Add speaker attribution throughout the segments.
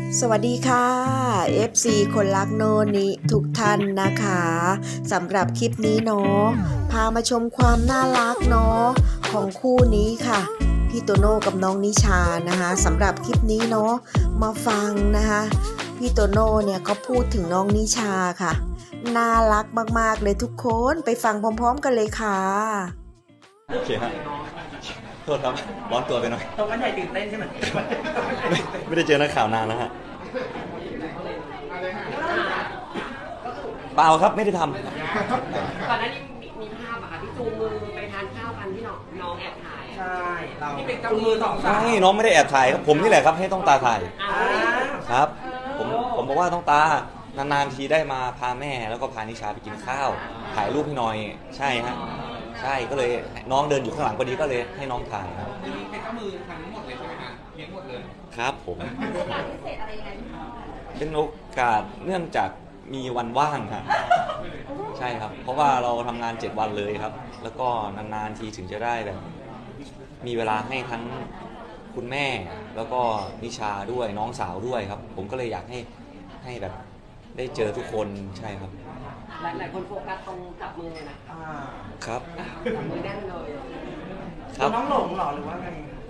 Speaker 1: สวัสดีค่ะ FC คนรักโนนิทุกท่านนะคะสำหรับคลิปนี้เนาะพามาชมความน่ารักเนาะของคู่นี้ค่ะพี่โตโน่กับน้องนิชานะคะสำหรับคลิปนี้เนาะมาฟังนะคะพี่โตโน่เนี่ยเขาพูดถึงน้องนิชาค่ะน่ารักมากๆเลยทุกคนไปฟังพร้อมๆกันเลยค่ะ
Speaker 2: โอเคฮะโทษครับร้อนตัวไปหน่อย
Speaker 3: ตรงกันใหญ่ตื่นเต้นใช่ไหม
Speaker 2: ไม่ได้เจอนักข่าวนานแล้วฮะเปล่าครับไม่ได้ทำ
Speaker 4: ก่อนหน้านี้มีภาพอะค่ะที่จูงมือไปทานข้าวกันที่น้องแอบถ่าย
Speaker 3: ใช่เรา
Speaker 4: ที่เป็น
Speaker 3: จุงมือสองสาว
Speaker 2: ไม่น้องไม่ได้แอบถ่ายครับผมนี่แหละครับให้ต้องตาถ่าย
Speaker 4: อ่า
Speaker 2: ครับผมบอกว่าต้องตานานๆทีได้มาพาแม่แล้วก็พานิชาไปกินข้าวถ่ายรูปให้หน่อยใช่ฮะใช่ก็เลยน้องเดินอยู่ข้างหลังพอดีก็เลยให้น้องถ่ายครับ
Speaker 5: เป็นข้ามือทำหมดเลยใช่ไหมฮะเลี้ยงหมดเลย
Speaker 2: ครับผมเป็นโอกาสเนื่องจากมีวันว่างครับใช่ครับเพราะว่าเราทำงาน7วันเลยครับแล้วก็นานๆทีถึงจะได้แบบมีเวลาให้ทั้งคุณแม่แล้วก็นิชาด้วยน้องสาวด้วยครับผมก็เลยอยากให้แบบได้เจอทุกคนใช่ครับ
Speaker 4: หลายคนโฟกัสตรงจับมือนะครับ จับมือแน่นเลย
Speaker 2: ครับ
Speaker 3: น้องหลงเหรอหรือว่าไง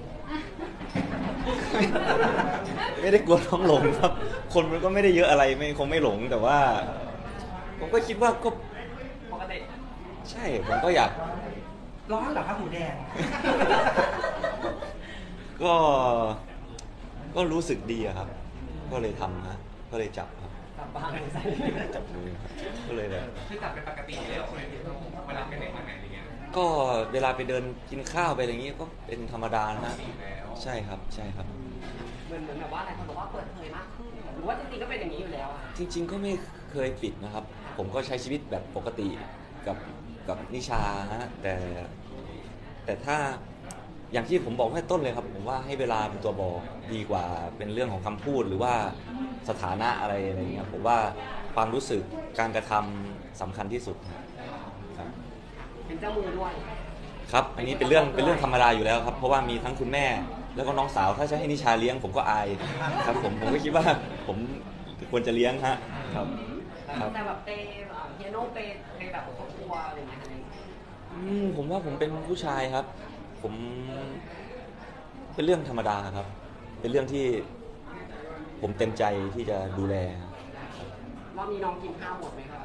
Speaker 2: ไม่ได้กลัวน้องหลงครับ คนมันก็ไม่ได้เยอะอะไรคงไม่หลงแต่ว่า ผมก็คิดว่าก็
Speaker 4: ปกติ
Speaker 2: ใช่ผมก็อยาก
Speaker 3: ร้อนเหรอครับหูแดง
Speaker 2: ก็รู้สึกดีอะครับ ก็เลยทำนะก็เลยจับครับ
Speaker 4: จับบ้างใส่
Speaker 2: จับมือครับก็เลยแบบ
Speaker 5: คือจับเป็นปกติอยู่แล้วใช่ไหมพี่โต้เวลาไปไหนมาไหนอย่างเงี้ย
Speaker 2: ก็เวลาไปเดินกินข้าวไปอะไรอย่างงี้ก็เป็นธรรมดานะฮะ
Speaker 5: แล้ว
Speaker 2: ใช่ครับใช่ครับ
Speaker 4: เหมือนแบบว่าหลายคนบอกว่าเปิดเผยมากขึ้นหรือว่าจริงๆก็เป็นอย่างนี้อยู่แล้วอะ
Speaker 2: จริงๆก็ไม่เคยปิดนะครับ ผมก็ใช้ชีวิตแบบปกติกับนิชาฮะแต่ถ้าอย่างที่ผมบอกตั้งแต่ต้นเลยครับผมว่าให้เวลาเป็นตัวบอกดีกว่าเป็นเรื่องของคำพูดหรือว่าสถานะอะไรอย่างเงี้ยผมว่าความรู้สึกการกระทำสำคัญที่สุดครับ
Speaker 4: เป็นเจ้ามือด้วย
Speaker 2: ครับอันนี้เป็นเรื่องธรรมดาอยู่แล้วครับเพราะว่ามีทั้งคุณแม่แล้วก็น้องสาวถ้าจะให้นิชาเลี้ยงผมก็อายครับผมก็คิดว่าผมควรจะเลี้ยงฮะครับครับ
Speaker 4: แต่แบบเปเฮียโน่เปแบบครอบครัวอะไรอย่างเงี้ย
Speaker 2: ผมว่าผมเป็นผู้ชายครับ ผมเป็นเรื่องธรรมดาครับ เป็นเรื่องที่ผมเต็มใจที่จะดูแลครับ
Speaker 4: รอบนี้น้องกินข้าวหมดไหมครับ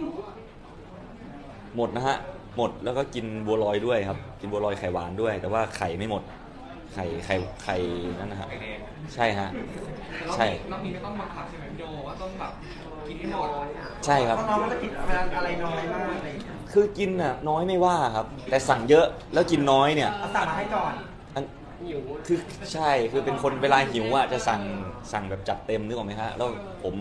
Speaker 2: หมดนะฮะหมดแล้วก็กินบัวลอยด้วยครับ กินบัวลอยไข่หวานด้วย แต่ว่าไข่ไม่หมดไข่นั่นนะฮะ
Speaker 5: ไข่แดง
Speaker 2: ใช่ฮะใช่
Speaker 5: รอบนี้ไม่ต้องบังคับใช่ไหมพี่โดว่าต้องแบบกินให้หมด
Speaker 2: ใช่ครับ
Speaker 3: เพราะน้องก็จะกินอะไรน้อยมากอะไรอย่างเงี้ย
Speaker 2: คือกินน่ะน้อยไม่ว่าครับ แต่สั่งเยอะแล้วกินน้อยเนี่ย
Speaker 3: เอาสั่งมาให้ก่อน
Speaker 2: อัน
Speaker 4: หิว
Speaker 2: คือใช่คือเป็นคนเวลาหิวอ่ะจะสั่งแบบจัดเต็มนึกออกไหมฮะแล้วผม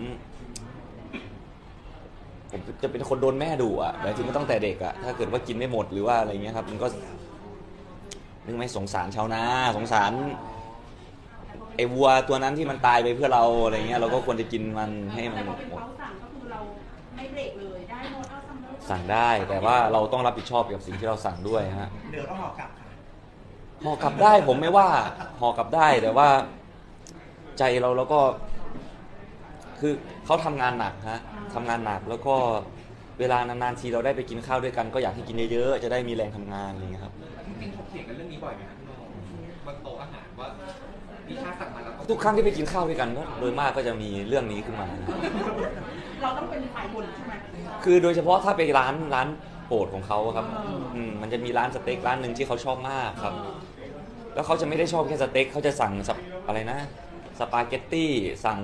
Speaker 2: จะเป็นคนโดนแม่ดุอ่ะหมายถึงตั้งแต่เด็กอ่ะถ้าเกิดว่ากินไม่หมดหรือว่าอะไรเงี้ยครับมันก็นึกไม่สงสารชาวนาสงสารไอ้วัวตัวนั้นที่มันตายไปเพื่อเราอะไรเงี้ยเราก็ควรจะกินมันให้มัน
Speaker 6: แต่พอเป็นเขาสั่งก็คือเราไม่เบรกเลยได้หมดเอาซัมเมอร์
Speaker 2: สั่งได้แต่ว่าเราต้องรับผิดชอบกับสิ่งที่เราสั่งด้วยฮะ
Speaker 3: เดี๋ยวต้องห่อกลับค่ะ
Speaker 2: ห่อกลับได้ผมไม่ว่าห่อกลับได้แต่ว่าใจเราก็คือเขาทำงานหนักฮะทำงานหนักแล้วก็เวลานานๆทีเราได้ไปกินข้าวด้วยกันก็อยากให้กินเยอะๆจะได้มีแรงทำงานอะไรอย่างเงี้ยครับ
Speaker 5: จริงๆถกเถียงกันเรื่องนี้บ่อยไหมครับพี่โดบนโต๊ะอาหารว่าพี่ชาสั่งมาแล้ว
Speaker 2: ทุกครั้งที่ไปกินข้าวด้วยกันก็โดยมากก็จะมีเรื่องนี้ขึ้นมา
Speaker 6: เราต้องเป็นฝ่ายบนใช่ไหม
Speaker 2: คือโดยเฉพาะถ้าไปร้านโปรดของเขาครับมันจะมีร้านสเต็กร้านหนึ่งที่เขาชอบมากครับ แล้วเขาจะไม่ได้ชอบแค่สเต็กเขาจะสั่งอะไรนะสปาเกตตี้สั่ง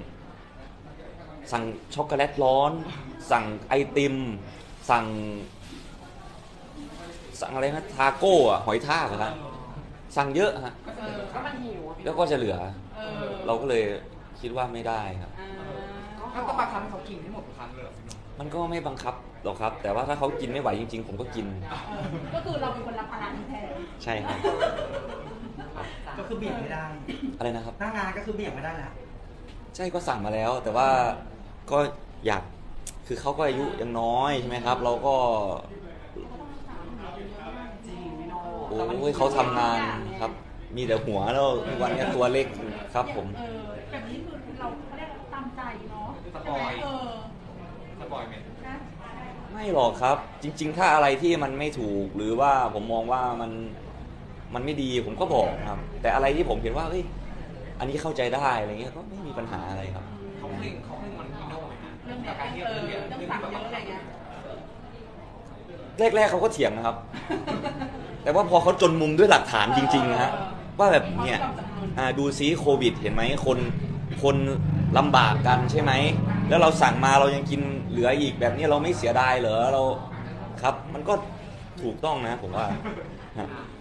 Speaker 2: ช็อกโกแลตร้อน สั่งไอติมสั่งอะไรนะทาโก้อะหอยทากอะครับสั่งเยอะฮะ
Speaker 4: ก็มันหิวอะพี่
Speaker 2: แล้วก็จะเหลือ เราก็เลยคิดว่าไม่ได้ครับ
Speaker 5: ก็ต้องบังคับให้เขากินให้หมดทุกครั้งเลยเหรอพี่โด
Speaker 2: มันก็ไม่บังคับหรอกครับ แต่ว่าถ้าเขากินไม่ไหวจริงๆ ผมก็กิน
Speaker 6: ก็คือเราเป็นคนรับภาระนี้แทน
Speaker 2: ใช่ครับ
Speaker 3: ก็คือเบี่ยงไม่ได้
Speaker 2: อะไรนะครับ
Speaker 3: หน้างานก็คือเบี่ยงไม่ได้แล้ว
Speaker 2: ใช่ก็สั่งมาแล้ว แต่ว่าก็อยากคือเขาก็อายุยังน้อยใช่ไหมครับ เราก็
Speaker 4: จริงพี่โน่
Speaker 2: โอ้ยเขาทำงานครับมีแต่หัวแล้ววันนี้ตัวเล็กครับผม
Speaker 6: แบบนี้คือเราเขาเรียกว่าตามใจเนาะ
Speaker 5: สปอย สปอยไหม
Speaker 6: นะ
Speaker 2: ไม่หรอกครับ จริง ๆ ถ้าอะไรที่มันไม่ถูกหรือว่าผมมองว่ามันไม่ดีผมก็บอกครับ แต่อะไรที่ผมเห็นว่าเฮ้ยอันนี้เข้าใจได้อะไรเงี้ยก็ไม่มีปัญหาอะไรครับ
Speaker 5: เขาเพ่งมันพี่โน่ไหมฮะ
Speaker 6: เรื่อง
Speaker 5: กับการที่
Speaker 6: เรื่อง
Speaker 5: เรื่อง
Speaker 6: สั่ง
Speaker 5: ที่แบบ
Speaker 6: เยอะอะไรเงี้ย
Speaker 2: แรกๆเขาก็เถียงนะครับ แต่ว่าพอเขาจนมุมด้วยหลักฐานจริงๆนะฮะว่าแบบเนี่ยดูซิโควิดเห็นไหมคนลำบากกันใช่ไหมแล้วเราสั่งมาเรายังกินเหลืออีกแบบนี้เราไม่เสียดายเหรอเราครับ มันก็ถูกต้องนะผมว่าฮะ
Speaker 5: อ